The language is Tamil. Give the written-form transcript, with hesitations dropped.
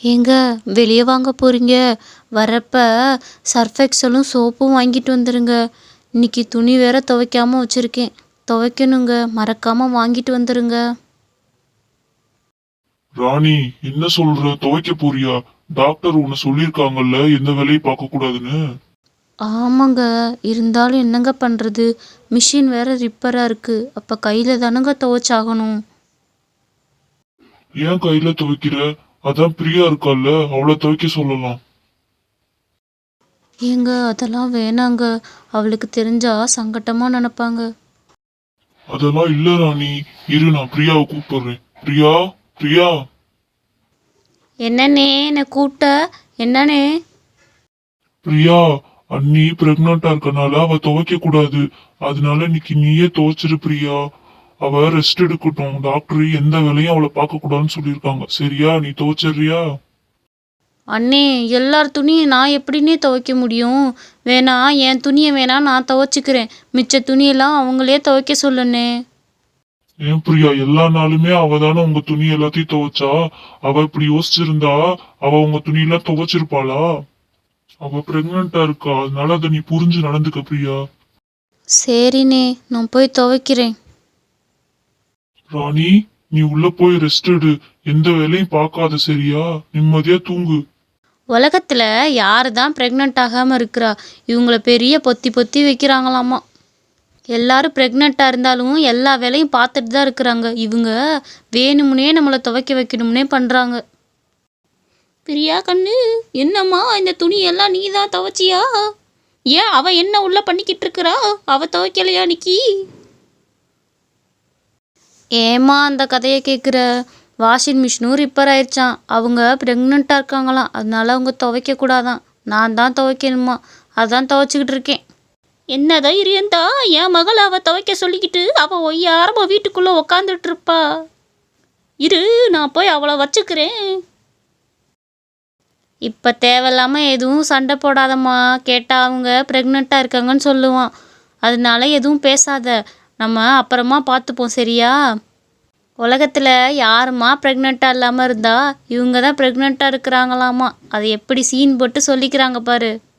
ஏங்க வெளியே வாங்க போறீங்க? வரப்ப சர்ஃப் எக்ஸலும் சோப்பும் வாங்கிட்டு வந்துருங்க. இன்னைக்கு துணி வேற துவைக்காம வச்சிருக்கேன். துவைக்கணுங்க. மறக்காம வாங்கிட்டு வந்துருங்க. ராணி, என்ன சொல்ற? துவைக்க போறியா? டாக்டர் உன்னை சொல்லியிருக்காங்கல்ல எந்த வேலையும் பார்க்க கூடாதுன்னு. ஆமாங்க. இருந்தாலும் என்னங்க பண்றது? மிஷின் வேற ரிப்பரா இருக்கு. அப்ப கையில தானங்க துவைச்சாகணும். ஏன் கையில துவைக்கிற? அதான் பிரியா இருக்கால்ல, அவளை துவைக்க சொல்லலாம். ஏங்க அதெல்லாம் வேணாங்க. அவளுக்கு தெரிஞ்சா சங்கட்டமா நினைப்பாங்க. அதெல்லாம் இல்ல ராணி. இரு, நான் பிரியாவை கூப்பிடுறேன். பிரியா, பிரியா. என்னண்ணே என்ன கூப்பிட்ட? என்னண்ணே? பிரியா, அண்ணி பிரெக்னண்டா இருக்கனால அவ துவைக்க கூடாது. அதனால இன்னைக்கு நீயே துவைச்சிரு பிரியா. அவ ரெஸ்ட் எடுக்கட்டும். டாக்டர் எந்த வேலையும் அவளை பார்க்க கூடாதுன்னு சொல்லியிருக்காங்க. சரியா? நீ துவைச்சிடுறியா? அண்ணே, எல்லார் துணியை நான் எப்படின்னே துவைக்க முடியும்? வேணா என் துணியை வேணா நான் துவைச்சிக்கிறேன். மிச்ச துணியெல்லாம் அவங்களே துவைக்க சொல்லுண்ணே. ஏன் பிரியா, எல்லா நாளுமே அவ தானே உங்க துணி எல்லாத்தையும் துவைச்சா? அவ இப்படி யோசிச்சிருந்தா அவ உங்க துணியெல்லாம் துவைச்சிருப்பாளா? அவ பிரெக்னண்டா இருக்கா, அதனால அதை நீ புரிஞ்சு நடந்துக்க பிரியா. சரிண்ணே, நான் போய் துவைக்கிறேன். ராணி, நீ உள்ள போய் ரெஸ்ட் எடு. எந்த வேலையும் பார்க்காத, சரியா? நிம்மதியா தூங்கு. உலகத்துல யாரு தான் ப்ரெக்னென்ட் ஆகாம இருக்கிறா? இவங்கள பெரிய பொத்தி பொத்தி வைக்கிறாங்களாமா. எல்லாரும் ப்ரெக்னெண்ட்டாக இருந்தாலும் எல்லா வேலையும் பார்த்துட்டு தான் இருக்கிறாங்க. இவங்க வேணும்னே நம்மளை துவைக்க வைக்கணும்னே பண்ணுறாங்க. பிரியா கண்ணு, என்னம்மா இந்த துணியெல்லாம் நீ தான் துவைச்சியா? ஏன் அவ என்ன உள்ள பண்ணிக்கிட்டு இருக்கிறா? அவ துவைக்கலையா நிக்கி? ஏமா அந்த கதையை கேட்குற? வாஷிங் மிஷினும் ரிப்பேர் ஆயிடுச்சான். அவங்க ப்ரெக்னெண்ட்டாக இருக்காங்களாம். அதனால அவங்க துவைக்க கூடாதான். நான் தான் துவைக்கணுமா. அதான் துவைச்சிக்கிட்டு இருக்கேன். என்ன தைரியந்தா என் மகள் அவ துவைக்க சொல்லிக்கிட்டு அவ ஒய்யாரமா வீட்டுக்குள்ள உக்காந்துட்டு இருப்பா. இரு, நான் போய் அவளை வச்சுக்கிறேன். இப்போ தேவையில்லாம எதுவும் சண்டை போடாதம்மா. கேட்டால் அவங்க ப்ரெக்னெண்ட்டாக இருக்காங்கன்னு சொல்லுவான். அதனால எதுவும் பேசாத. நம்ம அப்புறமா பார்த்துப்போம், சரியா? உலகத்தில் யாருமா ப்ரெக்னெண்ட்டாக இல்லாமல் இருந்தா? இவங்க தான் ப்ரெக்னெண்ட்டாக இருக்கிறாங்களாமா. அதை எப்படி சீன் போட்டு சொல்லிக்கிறாங்க பாரு.